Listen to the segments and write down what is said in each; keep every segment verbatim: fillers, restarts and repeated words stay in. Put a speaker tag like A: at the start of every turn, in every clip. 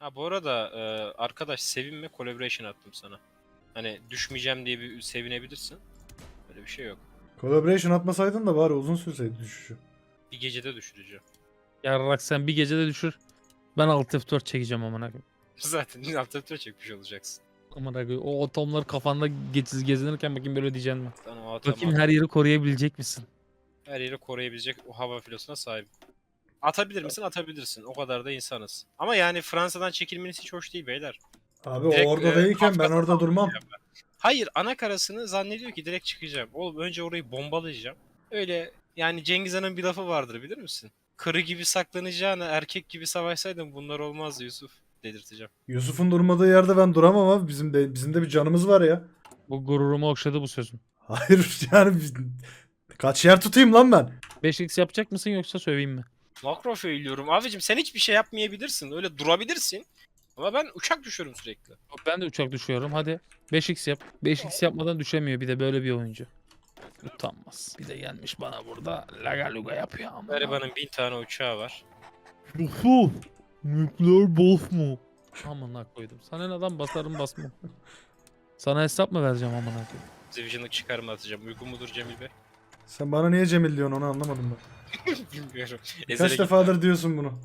A: Ha bu arada e, arkadaş sevinme, collaboration attım sana. Hani düşmeyeceğim diye bir sevinebilirsin. Böyle bir şey yok.
B: Collaboration atmasaydın da bari uzun sürseydi düşüşü.
A: Bir gecede düşüreceğim.
C: Yarrak sen bir gecede düşür. Ben alt F dört çekeceğim amına koyayım.
A: Zaten altı çekmiş olacaksın.
C: Amına koyayım. O atomlar kafanda geçiz gezinirken bakayım böyle diyeceksin mi?
A: Sen o atama,
C: Bakayım her yeri koruyabilecek misin?
A: her yeri koruyabilecek o hava filosuna sahip. Atabilir misin? Atabilirsin. O kadar da insanız. Ama yani Fransa'dan çekilmeniz hiç hoş değil beyler.
B: Abi
A: Direkt,
B: o orada
A: e,
B: değilken ben
A: Kafkas'a
B: orada durmam.
A: Hayır, ana karasını zannediyor ki direkt çıkacağım. Oğlum önce orayı bombalayacağım. Öyle yani Cengiz Han'ın bir lafı vardır bilir misin? Kırı gibi saklanacağına erkek gibi savaşsaydın bunlar olmazdı Yusuf dedirteceğim.
B: Yusuf'un durmadığı yerde ben duramam abi. Bizim de bizim de bir canımız var ya.
C: Bu gururumu okşadı bu sözün.
B: Hayır yani biz- kaç yer tutayım lan ben?
C: beş x yapacak mısın yoksa söveyim mi?
A: Makro söylüyorum. Abicim sen hiçbir şey yapmayabilirsin. Öyle durabilirsin. Ama ben uçak düşüyorum sürekli.
C: Ben de uçak düşüyorum hadi. beş x yap. beş x yapmadan düşemiyor bir de böyle bir oyuncu. Utanmaz. Bir de gelmiş bana burada laga luga yapıyor ama.
A: Garibanın bin tane uçağı var.
C: Yusuf. Nükleer bof mu? Amına koydum. Sana ne adam basarım basmam. Sana hesap mı vereceğim amına koyayım?
A: Division'lık çıkarma atacağım. Uygun mudur Cemil Bey?
B: Sen bana niye Cemil diyorsun onu anlamadım ben.
A: Bilmiyorum.
B: Kaç
A: Ezel'e
B: defadır diyorsun bunu.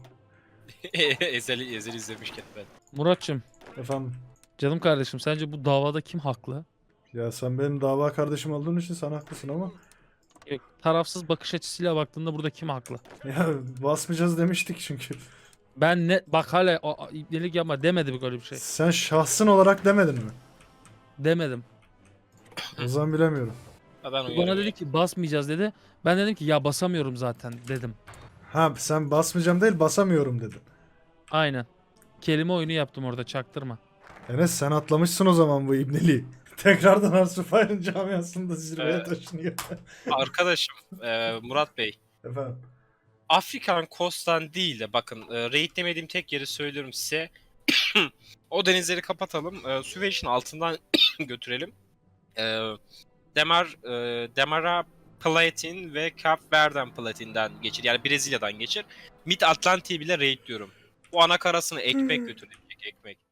A: Ezel'i Ezel izlemişken ben.
C: Muratçım,
B: Efendim.
C: canım kardeşim sence bu davada kim haklı?
B: Ya sen benim dava kardeşim olduğun için sen haklısın ama.
C: Yok, tarafsız bakış açısıyla baktığında burada kim haklı?
B: Ya basmayacağız demiştik çünkü.
C: Ben ne bak hala a- a- ibnelik yapma demedi böyle bir şey.
B: Sen şahsın olarak demedin mi?
C: Demedim.
B: O zaman bilemiyorum.
A: Ha, ben
C: Bana
A: uyarım.
C: dedi ki basmayacağız dedi. Ben dedim ki ya basamıyorum zaten dedim.
B: Ha sen basmayacağım değil basamıyorum dedin.
C: Aynen. Kelime oyunu yaptım orada çaktırma.
B: Enes sen atlamışsın o zaman bu ibneliği. Tekrardan Arsufay'ın camiasında zirveye
A: Evet.
B: taşınıyor.
A: Arkadaşım e, Murat Bey.
B: Efendim.
A: Afrikan Coast'tan değil de bakın e, raidlemediğim tek yeri söylüyorum size. O denizleri kapatalım. E, Süveyş'in altından götürelim. E, Demar, e, Demara Platin ve Cap Verde'den Platin'den geçir. Yani Brezilya'dan geçir. Mid Atlantik'i bile raidliyorum. Bu ana karasını ekmek götürecek ekmek.